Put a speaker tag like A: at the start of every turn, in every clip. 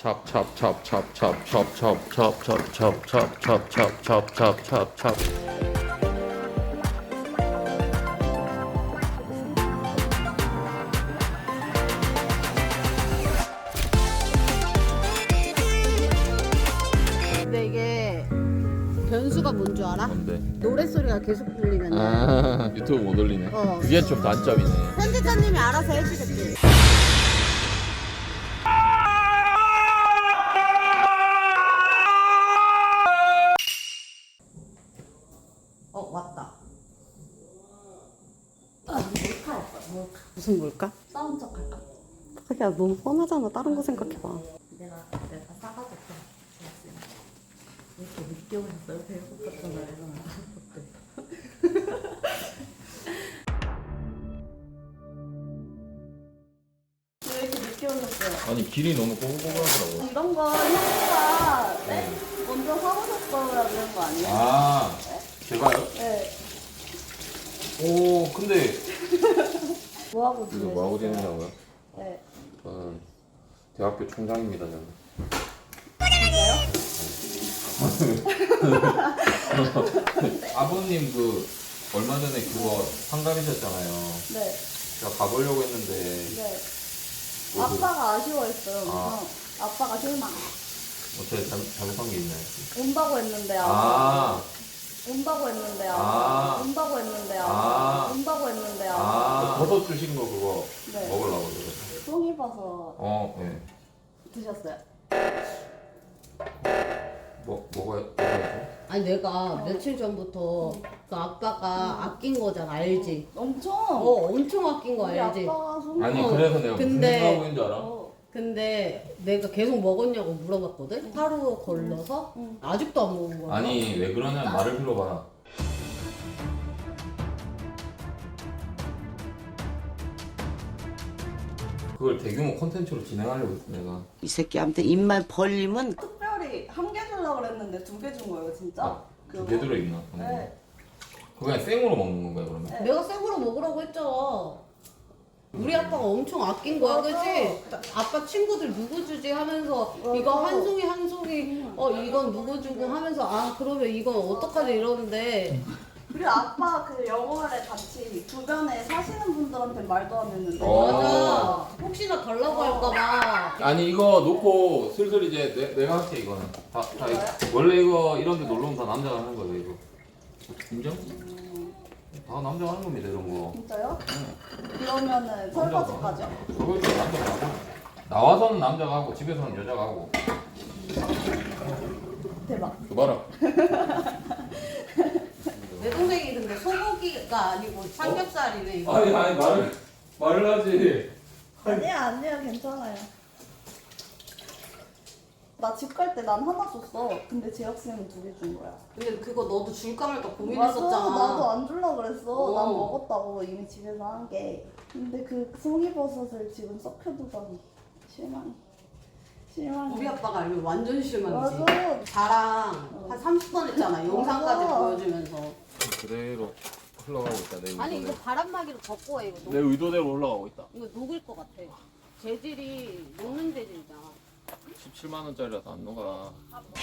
A: chop chop chop chop chop chop chop chop chop chop chop chop chop chop chop chop chop.
B: 근데 이게 변수가 뭔 줄 알아?
A: 뭔데?
B: 노래 소리가 계속 들리면
A: 아 유튜브 못 올리네.
B: 어.
A: 그게 좀 단점이네.
B: 편집자님이 알아서 해주겠지. 왔다. 몰카 할까? 몰카. 무슨 몰카? 싸운 척 할까? 야 너무 뻔하잖아. 다른 거 생각해봐. 내가 싸가지고 이렇게 늦게 오셨어요? 배고팠던 날에서 왜 이렇게 늦게 오셨어요?
A: 아니 길이 너무 꼬불꼬불하더라고.
B: 이런 거 형부가 네? 먼저 사오셨어야 되는 거 아니에요?
A: 아 제가요?
B: 네.
A: 오 근데
B: 뭐하고
A: 이거
B: 지내세요?
A: 뭐하고 지내냐고요?
B: 네.
A: 저는 대학교 총장입니다 저는. 아버님 그 얼마 전에 그거 상담이셨잖아요.
B: 네.
A: 제가 가보려고 했는데
B: 네.
A: 뭐 그-
B: 아빠가 아쉬워했어요.
A: 아.
B: 그래서 아빠가 실망.
A: 어떻게 잘못한 게 있나요?
B: 온다고 했는데
A: 아,
B: 온다고 했는데
A: 아.
B: 온다고 했는데
A: 아.
B: 온다고 했는데
A: 버섯 주신 거 그거
B: 네.
A: 먹으려고 그래서.
B: 송이버섯
A: 네.
B: 드셨어요?
A: 먹어야죠.
C: 아니 내가 며칠 전부터 그 아빠가 아낀 거잖아 알지?
B: 엄청.
C: 엄청 아낀 거
B: 우리
C: 알지?
B: 아빠가 송이.
A: 아니
C: 어,
A: 그래서 내가 무슨
C: 근데-
A: 생각하고 있는 줄 알아?
C: 근데 내가 계속 먹었냐고 물어봤거든? 하루 걸러서
B: 응.
C: 아직도 안 먹은 거야.
A: 아니 왜 그러냐면 말을 들어봐. 그걸 대규모 콘텐츠로 진행하려고 했어 내가.
D: 이 새끼한테 입만 벌리면
B: 특별히 한 개 주려고 그랬는데 2개 준 거예요, 진짜?
A: 아, 두개 들어있나?
B: 네.
A: 그거 그냥 생으로 먹는 건가요 그러면?
B: 네.
C: 내가 생으로 먹으라고 했잖아. 우리 아빠가 엄청 아낀 거야,
B: 맞아.
C: 그치? 아빠 친구들 누구 주지 하면서 이거 한 송이 한 송이 이건 누구 주고 하면서 그러면 이건 어떡하지 이러는데
B: 그리고 아빠 그 영월에 같이 주변에 사시는 분들한테 말도 안 했는데.
C: 맞아. 혹시나 달라고 할까봐.
A: 아니 이거 놓고 슬슬 이제 내가 할게 이거는 다 원래 이거 이런 데 놀러 오면 다 남자가 하는 거예요 이거. 인정? 다 남자가 하는 겁니다 이런 거.
B: 진짜요? 그러면은 설거지까지요?
A: 설거지 남자가 하고 나와서는 남자가 하고 집에서는 여자가 하고.
B: 대박.
A: 그 봐라.
C: 내 동생이 근데 소고기가 아니고 삼겹살이네 이거.
A: 아니 말을 하지.
B: 아니야, 괜찮아요. 나 집 갈 때 난 하나 줬어. 근데 재혁쌤은 2개 준 거야.
C: 근데 그거 너도 줄까 말까
B: 맞아,
C: 고민했었잖아.
B: 나도 안 줄라 그랬어.
C: 어.
B: 난 먹었다고 이미 집에서 한 게. 근데 그 송이버섯을 지금 썩혀두다니 실망.
C: 우리 아빠가 알면 완전 실망이지.
B: 맞아.
C: 자랑 한 30번 했잖아. 영상까지
B: 맞아.
C: 보여주면서.
A: 그대로 흘러가고 있다 내 의도대로.
C: 아니 이거 바람막이로 덮고 해 이거.
A: 내 의도대로 올라가고 있다.
C: 이거 녹을 것 같아. 재질이 녹는 재질이잖아.
A: 17만 원짜리라서 안 녹아.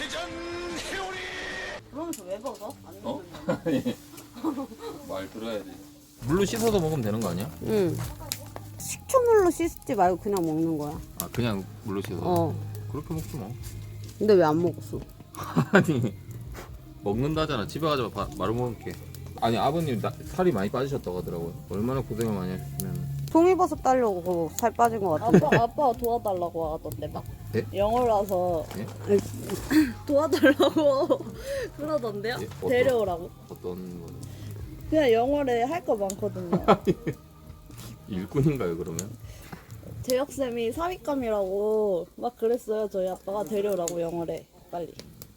B: 그러면서 왜 벗어? 안
A: 어?
B: 되는
A: 말 들어야지. 물로 씻어서 먹으면 되는 거 아니야?
C: 응. 식초물로 씻지 말고 그냥 먹는 거야.
A: 아 그냥 물로 씻어서. 그렇게 먹지 뭐.
C: 근데 왜 안 먹었어?
A: 아니 먹는다잖아. 집에 가서 말을 먹을게. 아니 아버님 살이 많이 빠지셨다고 하더라고요. 얼마나 고생을 많이 하셨으면.
C: 송이버섯 따려고 살 빠진 것 같은데.
B: 아빠가 도와달라고 하던데 막.
A: 예?
B: 영월 와서
A: 예?
B: 도와달라고 그러던데요?
A: 예? 어떤-
B: 데려오라고.
A: 어떤 거?
B: 그냥 영월에 할 거 많거든요.
A: 일꾼인가요 그러면?
B: 재혁쌤이 사윗감이라고 막 그랬어요. 저희 아빠가 데려오라고 영월에 빨리.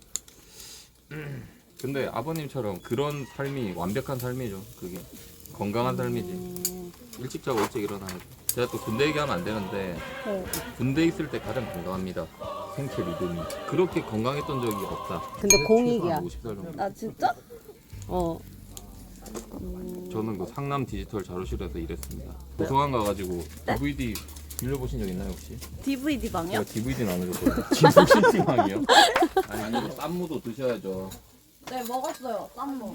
A: 근데 아버님처럼 그런 삶이 완벽한 삶이죠. 그게 건강한 삶이지. 일찍 자고 일찍 일어나야죠. 제가 또 군대 얘기하면 안 되는데
B: 네.
A: 군대 있을 때 가장 건강합니다. 생체 리듬이 그렇게 건강했던 적이 없다.
C: 근데 공익이야.
A: 50살 정도.
B: 아 진짜?
A: 저는 그 상남 디지털 자료실에서 일했습니다. 도서관 가가지고 DVD 빌려보신 적 있나요 혹시?
B: DVD 방이요?
A: 제가 DVD는 안 해줬거든요. 지금 신팅방이요? 아니 이거 쌈무도 드셔야죠.
C: 네 먹었어요. 쌈무.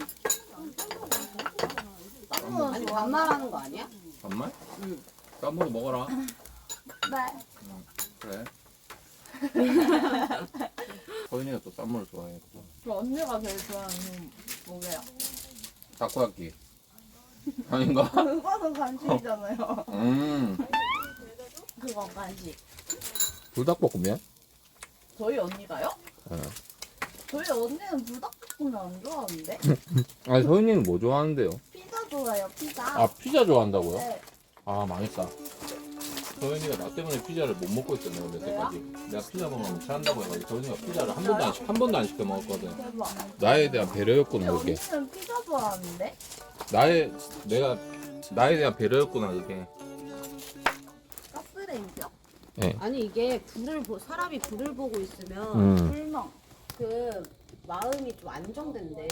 C: 쌈무 아니 반말하는 거 아니야?
A: 정말? 응. 쌈무도 먹어라.
C: 네.
A: 그래. 서윤이가 또 쌈무를 좋아해.
E: 그럼 언니가 제일 좋아하는 뭐예요?
A: 타코야끼. 아닌가?
E: 그거는 간식이잖아요. 그거 간식.
A: 불닭볶음면?
E: 저희 언니가요?
A: 네.
E: 저희 언니는 불닭볶음면 안 좋아하는데?
A: 아니 서윤이는 뭐 좋아하는데요?
E: 피자 좋아해요, 피자.
A: 아 피자 좋아한다고요?
E: 네.
A: 아 망했다. 서윤이가 나 때문에 피자를 못 먹고 있었네 원래 때까지. 내가 피자 먹으면 체한다고 해가지고 서윤이가 피자를 한 번도 안 시켜 먹었거든.
E: 대박.
A: 나에 대한 배려였구나
E: 우리
A: 그게.
E: 언니는 피자 좋아하는데?
A: 나에 대한 배려였구나 그게.
E: 가스레인지요?
A: 예.
C: 아니 이게 사람이 불을 보고 있으면
E: 불멍.
C: 그 마음이 좀 안정된대.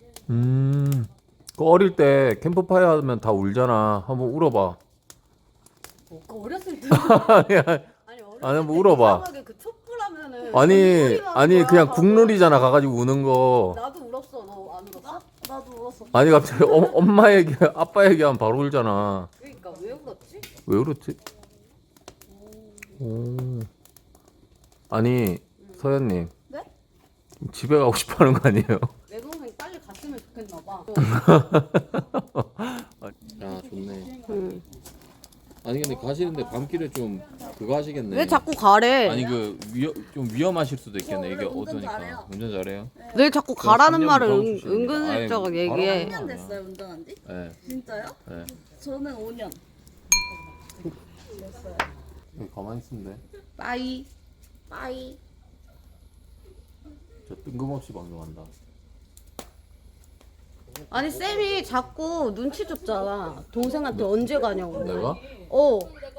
A: 그 어릴 때 캠프파이어 하면 다 울잖아. 한번 울어봐.
C: 그 어렸을 때 아니 어렸을
A: 아니, 한번
C: 때
A: 울어봐.
C: 이상하게 그 촛불하면은
A: 아니
C: 촛불이
A: 그냥
C: 나와.
A: 국룰이잖아 가가지고 우는 거.
C: 나도 울었어. 너 안 울었어?
E: 나도 울었어.
A: 아니 갑자기 엄마 얘기 아빠 얘기하면 바로 울잖아.
C: 그러니까 왜 울었지?
A: 왜 그렇지? 오. 아니 서현님.
E: 네?
A: 집에 가고 싶어하는 거 아니에요?
C: 내 동생 빨리 갔으면 좋겠나 봐.
A: 아 좋네.
C: 응.
A: 아니 근데 가시는데 밤길에 좀 그거 하시겠네.
C: 왜 자꾸 가래?
A: 아니 좀 위험하실 수도 있겠네. 이게
E: 운전
A: 어두니까.
E: 잘해요.
A: 운전 잘해요?
C: 왜 자꾸
A: 그럼
C: 가라는
A: 3년
C: 말을
A: 무사고 출신입니다.
C: 은근슬쩍
A: 아이,
C: 얘기해.
A: 바로
E: 3년 됐어요, 운전한 지?
A: 네.
E: 진짜요?
A: 네.
E: 저는 5년.
A: 여기 가만히 있으면 돼.
E: 빠이. 빠이.
A: 저 뜬금없이 방송한다.
C: 아니 쌤이 자꾸 눈치 줬잖아. 동생한테 언제 가냐고.
A: 내가?
C: 어.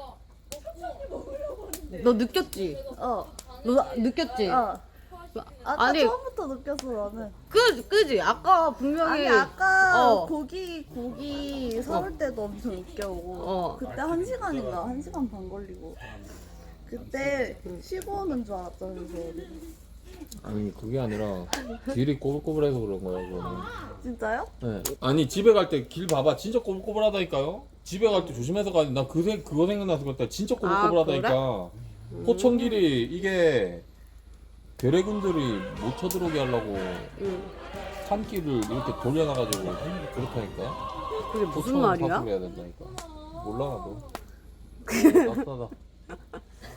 C: 너 느꼈지?
E: 어.
C: 너 느꼈지?
E: 어. 아까
C: 아니.
E: 처음부터 느꼈어, 나는.
C: 그지? 아까 분명히
E: 아니 아까
C: 어.
E: 고기 사올 때도 엄청 늦게 오고
C: 어.
E: 그때 1시간인가 1시간 반 걸리고 그때 쉬고 오는 줄 알았잖아요.
A: 아니 그게 아니라 길이 꼬불꼬불해서 그런 거야 그거는.
E: 진짜요?
A: 네. 아니 집에 갈 때 길 봐봐 진짜 꼬불꼬불하다니까요. 집에 갈 때 조심해서 가야 돼. 나 그거 생각나서 그랬다. 진짜 꼬불꼬불하다니까. 포천길이 이게 괴뢰군들이 못 쳐들어오게 하려고 산길을 이렇게 돌려놔가지고 그렇다니까.
C: 그게 무슨
A: 포천
C: 말이야?
A: 파악을 해야 된다니까. 몰라 나도. 낯싸다.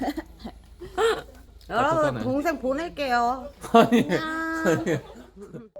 C: 여러분
A: 따뜻하네.
C: 동생 보낼게요.
A: 아니